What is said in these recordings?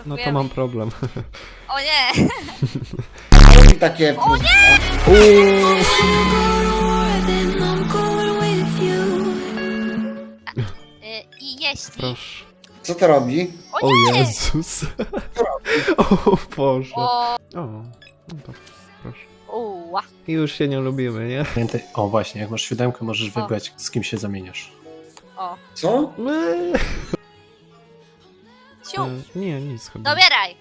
No to mam problem. O nie! Robi takie... O nie! I jeśli... Proszę. Co to robi? O O nie! Jezus. O Boże. O, No to proszę. uła. I już się nie lubimy, nie? Pamiętaj, o właśnie, jak masz siódemkę, możesz wybrać, z kim się zamieniasz. O, Co? siu. Nie, nic chyba. Dobieraj!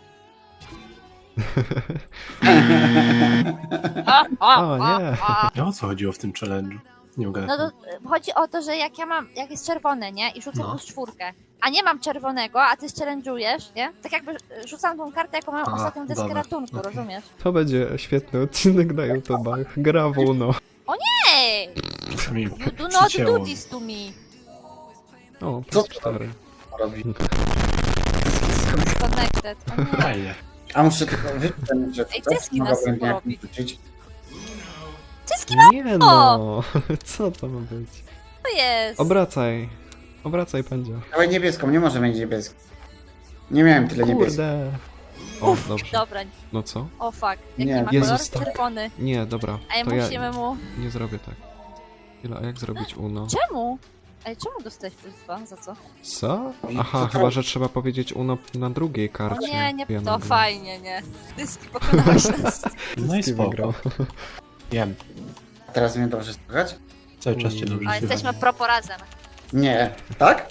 O, nie. A o co chodziło w tym challenge'u? Nie mogę. No to chodzi o to, że jak jest czerwone, nie? I rzucam No. plus 4, a nie mam czerwonego, a ty challenge'ujesz, nie? Tak jakby rzucam tą kartę, jaką mam A, ostatnią deskę dobra, ratunku, okej. rozumiesz? To będzie świetny odcinek na YouTube'ach. Gra w Uno. Ej! Przynajmniej You do not przycięło. do this to me. O, Co plus to 4. robi? Disconnected. O nie. Fajnie. A muszę tylko wybrać, że Ej, to cyski mogę nas będzie porobi. wrzucić. Wszystkim Nie no. Co to ma być? to jest. Obracaj. Obracaj pędzia. Dawaj niebieską, nie może być niebieską. Nie miałem tyle niebieską. Kurde. O, dobrze. Dobra, No co? o fuck. Jaki Nie. ma Jezus, kolor? tak. Czerwony. Nie, dobra. Ej, To ja musimy mu... nie zrobię tak. Chwila, a jak zrobić Uno? Czemu? Ej, czemu dostałeś plus 2? Za co? Co? I Aha, co to? chyba, że trzeba powiedzieć Uno na drugiej O karcie. nie, nie, Wiem, to wiem. fajnie, nie. Dyski pokonałeś nas. No i Kim spoko. wygrał? Wiem. Teraz mnie dobrze słychać? Cały czas cię dobrze A słychać. jesteśmy propo razem. Nie. Tak?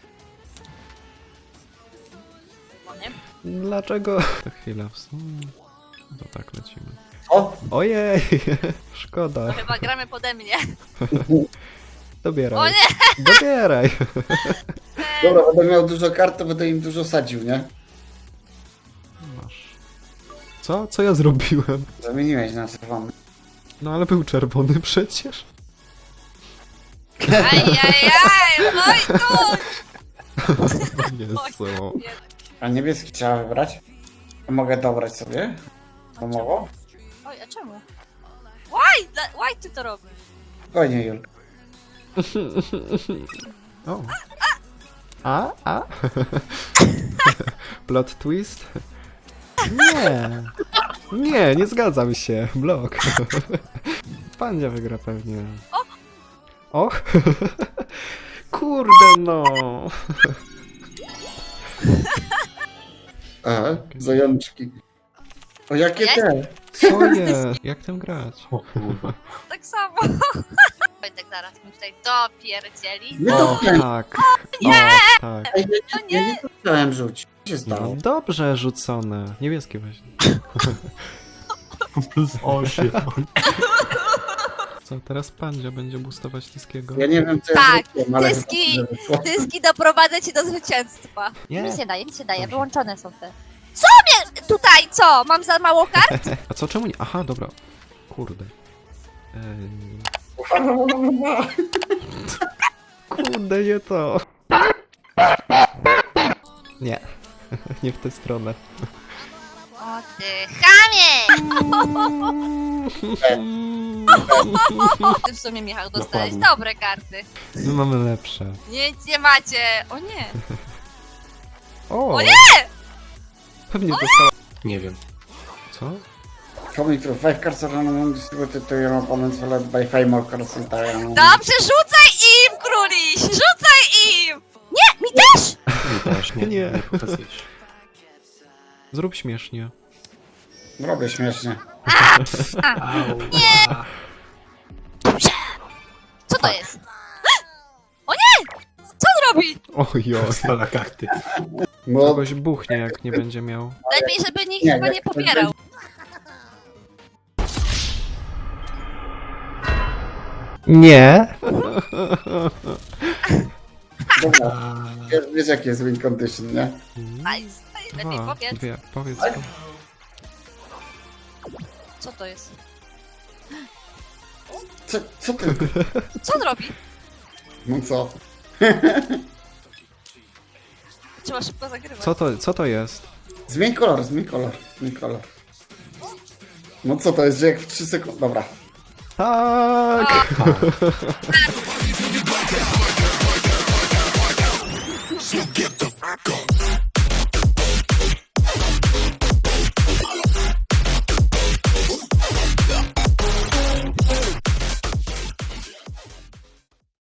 No nie? Dlaczego? To chwila, w sumie. To tak lecimy. O! Ojej! To Szkoda. chyba gramy pode mnie. Dobieraj. O nie! Dobieraj! Dobra, będę miał dużo kart, to będę im dużo sadził, nie? Masz. Co? Co ja zrobiłem? Zamieniłeś na czerwony. No ale był czerwony przecież. Ajajaj, oj tu! Jezu. A niebieski trzeba wybrać? A mogę dobrać sobie? Pomoło? Oj, a czemu? Why ty to robisz? Spokojnie, Julka. O. A? Plot twist? Nie. Nie, nie zgadzam się. Blok. Pandzia wygra pewnie. Och. Kurde no. Aha, zajączki. O, jakie Jest? te? Co jest? Jak tym grać? O kurwa. Tak samo. Wojtek zaraz mi tutaj dopierdzieli. Nie O, dotknąłem. tak. O, tak. Ej, ja nie chciałem rzucić. Co się No, stało? dobrze rzucone. Niebieskie właśnie. Plus 8. Co, teraz Pandzia będzie boostować Tiskiego? Ja nie wiem, co Tak, ja zrobiłem, ale... dyski. chyba dobrze wyszło. Dyski doprowadzę cię do zwycięstwa. Nie. Nic nie daje, nic nie daje, wyłączone są te. Co mnie tutaj, co? Mam za mało kart? A co, czemu nie? Aha, dobra. Kurde. Kurde, nie to. Nie. Nie w tę stronę. O ty chamie! Ty w sumie, Michał, dostałeś Dokładnie. dobre karty. My mamy lepsze. Nic nie macie. O nie. O nie! Pewnie dostała. Nie wiem. Co? Coming through 5 cards are random distributed to your opponents followed by 5 more cards entirely. Dobrze, rzucaj im, króliś! Rzucaj im! Nie, mi też! Nie też, nie, Nie. nie pokazujesz. Zrób śmiesznie. Robię śmiesznie. Au. Co to jest? O nie! Co on robi? Ojoj. Stala karty. No, Kogoś buchnie, jak nie będzie miał. Lepiej, żeby nikt Nie, chyba jak nie to popierał. Nie. dobra. Wiesz, jaki jest win condition, nie? Nice. Lepiej Dwa, powiedz. dwie. Powiedz Tak? to. Co to jest? Co ty? Co on robi? No co? Trzeba szybko zagrywać. Co to jest? Zmień kolor, zmień kolor, zmień kolor. No co to jest, że jak w 3 sekundy... Dobra. Tak! A.